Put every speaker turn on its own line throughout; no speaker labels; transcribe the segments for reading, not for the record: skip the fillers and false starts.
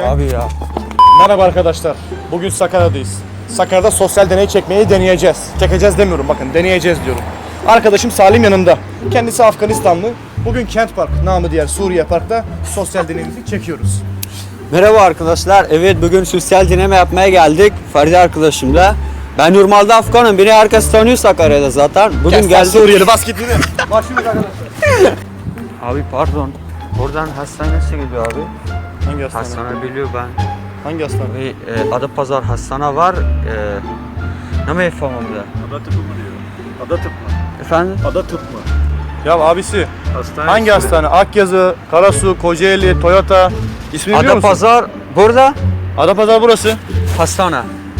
Abi ya.
Merhaba arkadaşlar. Bugün Sakarya'dayız. Sakarya'da sosyal deney çekmeyi deneyeceğiz. Çekeceğiz demiyorum, bakın deneyeceğiz diyorum. Arkadaşım Salim yanımda. Kendisi Afganistanlı. Bugün Kent Park, namı diğer Suriye Park'ta sosyal deneyimizi çekiyoruz.
Merhaba arkadaşlar. Evet, bugün sosyal deneme yapmaya geldik Ferdi arkadaşımla. Ben normalde Afganım. Beni herkes tanıyor Sakarya'da zaten. Bugün geldik.
Suriyeli bas git yine. Başlıyoruz arkadaşlar.
Abi pardon. Oradan hastane nasıl gidiyor abi?
Hangi hastane?
Hastane biliyor ben.
Hangi hastane?
Ve Adapazarı hastane var. Ne mi yapamamda?
Ada tıpı mı diyor? Ada tıp mı?
Efendim?
Ada tıp mı?
Ya abisi,
Hastane
hangi
ismi.
hastane? Akyazı, Karasu, Kocaeli, Toyota. İsmini biliyor musun?
Adapazarı burada
Adapazarı burası.
hastane.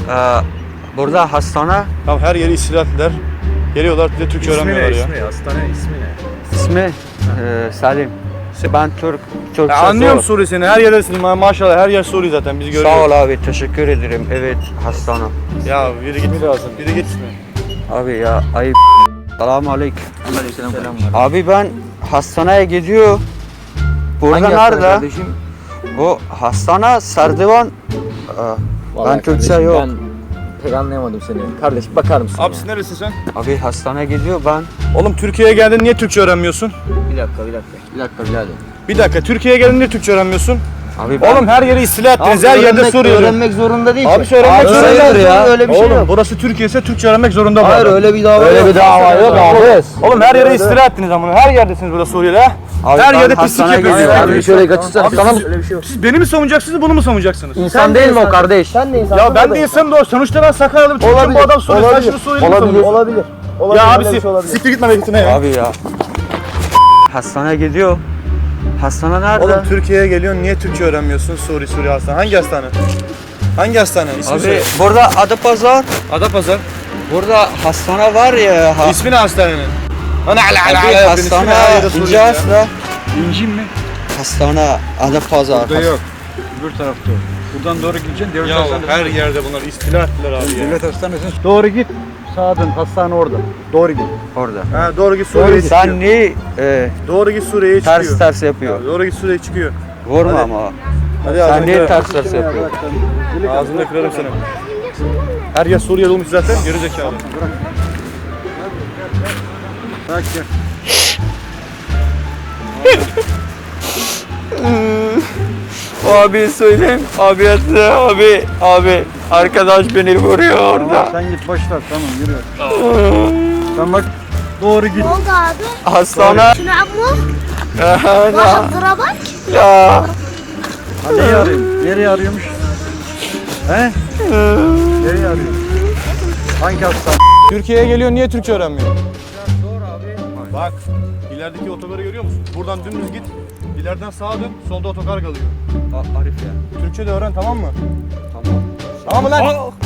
Burada hastane.
Ya her yeri istila ettiler. Geliyorlar, bir de Türkçe
İsmi
öğrenmiyorlar
ne?
ya.
İsmi, hastane ismi ne?
İsmi Salim. Ben Türkçe
Ya anlıyorum
zor.
Suriye seni, her yerdesin maşallah, her yer Suriye zaten, biz görüyoruz.
Sağ ol abi, teşekkür ederim. Evet, hastane.
Ya biri git lazım, biri git.
Abi ya ayıp. Selamun aleyküm. Abi ben hastaneye gidiyor. Burada nerede? Bu hastane Serdivan. Ben Türkçe yok.
Ben pek anlayamadım seni. Kardeşim bakar mısın?
Abi siz neresin sen?
Abi hastaneye gidiyor ben.
Oğlum Türkiye'ye geldin, niye Türkçe öğrenmiyorsun?
Bir dakika birader.
Bir dakika, Türkiye'ye geldin, niye Türkçe öğrenmiyorsun?
Abi ben...
Oğlum her yeri istila ettiniz, her yerde Suriyeli.
Öğrenmek zorunda değil
Abi
ki.
öğrenmek zorunda
hayırdır ya. Öyle bir şey
Oğlum
yok.
burası Türkiye ise Türkçe öğrenmek zorunda bu
Hayır
adam.
öyle bir dava
Öyle
yok.
bir dava yok abi.
Oğlum her yere istila ettiniz ama her yerdesiniz burada Suriyeli ha.
Abi
Her
ben
yerde pislik
hastaneye
yapıyorsunuz.
gidiyorum.
Abi şöyle kaçırsana.
Abi
Sana
siz-
mı? Öyle bir şey yok.
Siz beni mi savunacaksınız, bunu mu savunacaksınız?
İnsan değil mi o kardeş? Sen de insan.
Ya ben de insanım da o. Sonuçta ben Sakaryalı bir çocuğum, bu adam Suriyeli, sen şunu Suriyeli mi savunuyorsun?
Olabilir.
Ya abisi, siktir gitme gitme ya.
Abi ya. Hastaneye gidiyor. Hastane nerede?
Oğlum Türkiye'ye geliyorsun, niye Türkçe öğrenmiyorsun? Suriye hastane. Hangi hastane? Hangi hastane? İsmi
Abi
söyle.
burada Adapazarı.
Adapazarı.
Burada hastane var ya.
İsmi ne hastanenin? Ana
Abi hastane İnce Asla.
İncin mi?
Hastane Adapazarı.
Burada yok. Öbür tarafta. Buradan doğru gideceksin. Devlet
Ya
hastanesi.
her yerde bunlar istila ettiler abi ya.
Devlet hastanesine doğru git. Sağa dön. Hastane orada. Doğru git.
Orada.
Ha, doğru git Suriye'ye çıkıyor.
Sen niye
Doğru git Suriye'ye çıkıyor.
ters yapıyor?
Doğru git Suriye'ye çıkıyor.
Vurma
Hadi.
ama.
Hadi
Sen
ağzını
niye
kırarım.
ters yapıyor?
Ağzını kırarım seni. Her yer Suriyeli olmuş zaten, geri zekalı.
Bırak gel.
Abi söyleyeyim. Abi. Arkadaş beni vuruyor orada.
Sen git boş ver. Tamam yürü. Sen bak. Doğru git.
Ne oldu abi?
Hastane.
شنو عمو؟ واحد ضربك؟
Ya.
Ha, neyi arıyorsun? Nereye arıyormuş? He? Nereye arıyor? Hangi hastane?
Türkiye'ye geliyor, niye Türkçe öğrenmiyor? Zor abi. Bak, ilerideki otogarı görüyor musun? Buradan dümdüz git, ileriden sağa dön, solda otogar kalıyor.
Arif ya.
Türkçe de öğren, tamam mı?
Tamam.
Tamam mı lan?